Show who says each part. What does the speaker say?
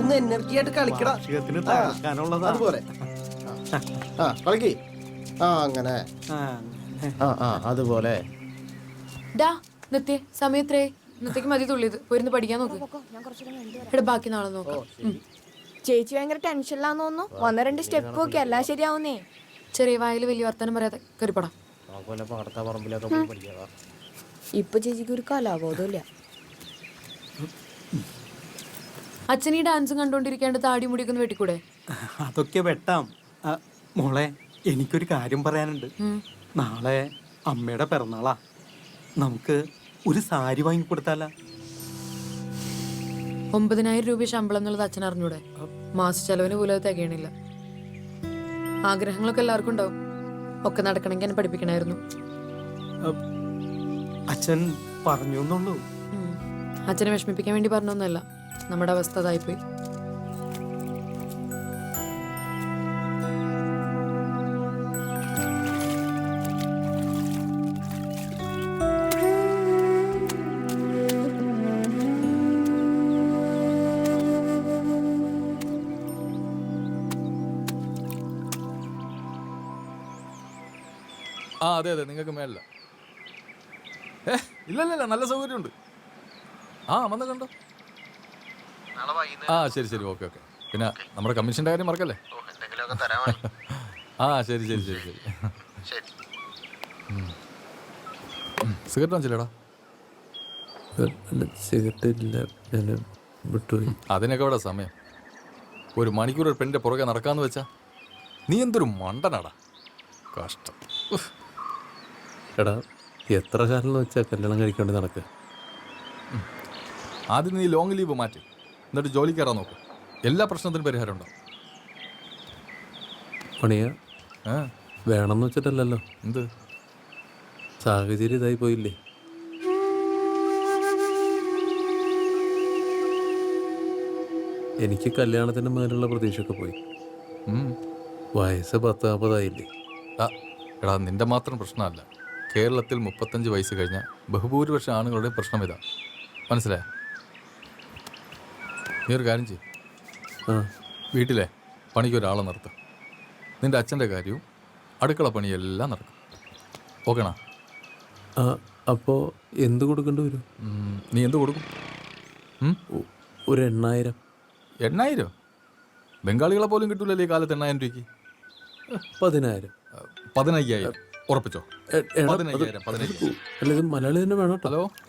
Speaker 1: ഒന്ന് എനർജി ആയിട്ട് കളിക്കടാ. അതുപോലെ കളിക്ക്. അങ്ങനെ അതുപോലെ.
Speaker 2: സമയത്രേ ഇന്നത്തേക്ക് മതി തുള്ളിയത്. പോയിരുന്ന് പഠിക്കാൻ നോക്ക്. ഇവിടെ ബാക്കി നാളെ നോക്കാം.
Speaker 3: ചേച്ചി ഭയങ്കര ടെൻഷനിലാന്ന് തോന്നുന്നു. 1-2 സ്റ്റെപ്പ് ഒക്കെ എല്ലാം ശരിയാവുന്നേ.
Speaker 2: ചെറിയ വായിൽ വലിയ വർത്തമാനം പറയാതെ കയറിപ്പടാം.
Speaker 3: ഇപ്പൊ ചേച്ചിക്ക് ഒരു കലാബോധമില്ല.
Speaker 2: അച്ഛൻ ഈ ഡാൻസും കണ്ടോണ്ടിരിക്കാണ്ട് താടി മുടിയൊക്കെ വെട്ടിക്കൂടെ?
Speaker 4: അതൊക്കെ വെട്ടാം. മോളെ, എനിക്കൊരു കാര്യം പറയാനുണ്ട്. നാളെ അമ്മയുടെ പിറന്നാളാ. നമുക്ക് ഒരു സാരി വാങ്ങിക്കൊടുത്താല?
Speaker 2: 9,000 രൂപ ശമ്പളം എന്നുള്ളത് അച്ഛൻ അറിഞ്ഞൂടെ? മാസ ചെലവിന് പോലും അത് തികയണില്ല. ആഗ്രഹങ്ങളൊക്കെ എല്ലാവർക്കും ഉണ്ടാവും. ഒക്കെ നടക്കണമെങ്കിൽ എന്നെ പഠിപ്പിക്കണമായിരുന്നു.
Speaker 4: അച്ഛൻ പറഞ്ഞു എന്നുള്ളൂ.
Speaker 2: അച്ഛനെ വിഷമിപ്പിക്കാൻ വേണ്ടി പറഞ്ഞൊന്നുമല്ല. നമ്മുടെ അവസ്ഥ അതായിപ്പോയി.
Speaker 5: അതെ അതെ, നിങ്ങൾക്ക് മേലില്ല. ഇല്ലല്ല, നല്ല സൗകര്യമുണ്ട്. വന്ന് കണ്ടോ. ശരി ശരി, ഓക്കെ ഓക്കെ. പിന്നെ നമ്മുടെ കമ്മീഷൻ്റെ കാര്യം മറക്കല്ലേ. ശരി ശരി ശരി ശരി. സിഗരറ്റ് വാങ്ങിച്ചില്ലേടാ? അതിനൊക്കെ ഇവിടെ സമയം. 1 മണിക്കൂർ ഒരു പെണ്ണിന്റെ പുറകെ നടക്കാന്ന് വെച്ചാ നീ എന്തൊരു മണ്ടനാടാ. കഷ്ടം.
Speaker 6: എടാ, എത്ര കാലം എന്ന് വെച്ചാൽ കല്യാണം കഴിക്കേണ്ടി നടക്കുക.
Speaker 5: ആദ്യം നീ ലോങ് ലീവ് മാറ്റി, എന്നിട്ട് ജോലി കയറാൻ നോക്കും. എല്ലാ പ്രശ്നത്തിനും പരിഹാരം ഉണ്ടാവും.
Speaker 6: പണിയ വേണമെന്ന് വെച്ചിട്ടല്ലല്ലോ.
Speaker 5: എന്ത്
Speaker 6: സാഹചര്യം ഇതായി പോയില്ലേ? എനിക്ക് കല്യാണത്തിന് മേലുള്ള പ്രതീക്ഷയൊക്കെ പോയി. വയസ്സ് 10-40
Speaker 5: എടാ, നിന്റെ മാത്രം പ്രശ്നമല്ല. കേരളത്തിൽ 35 വയസ്സ് കഴിഞ്ഞ ബഹുഭൂരിപക്ഷം ആണുങ്ങളുടെ പ്രശ്നം ഇതാ. മനസ്സിലായ? നീ ഒരു കാര്യം ചെയ്യും, വീട്ടിലെ പണിക്ക് ഒരാളെ നിർത്തും. നിന്റെ അച്ഛൻ്റെ കാര്യവും അടുക്കള പണിയെല്ലാം നടക്കും. ഓക്കേണാ?
Speaker 6: അപ്പോൾ എന്ത് കൊടുക്കേണ്ടി വരും?
Speaker 5: നീ എന്ത് കൊടുക്കും?
Speaker 6: ഒരു 8,000.
Speaker 5: 8,000? ബംഗാളികളെ പോലും കിട്ടൂലല്ലേ ഈ കാലത്ത് 8,000 രൂപയ്ക്ക്.
Speaker 6: 10,000.
Speaker 5: 15,000 ഉറപ്പിച്ചോ? 15,000.
Speaker 6: അല്ല, ഇത് മലയാളി തന്നെ വേണം.
Speaker 5: ഹലോ,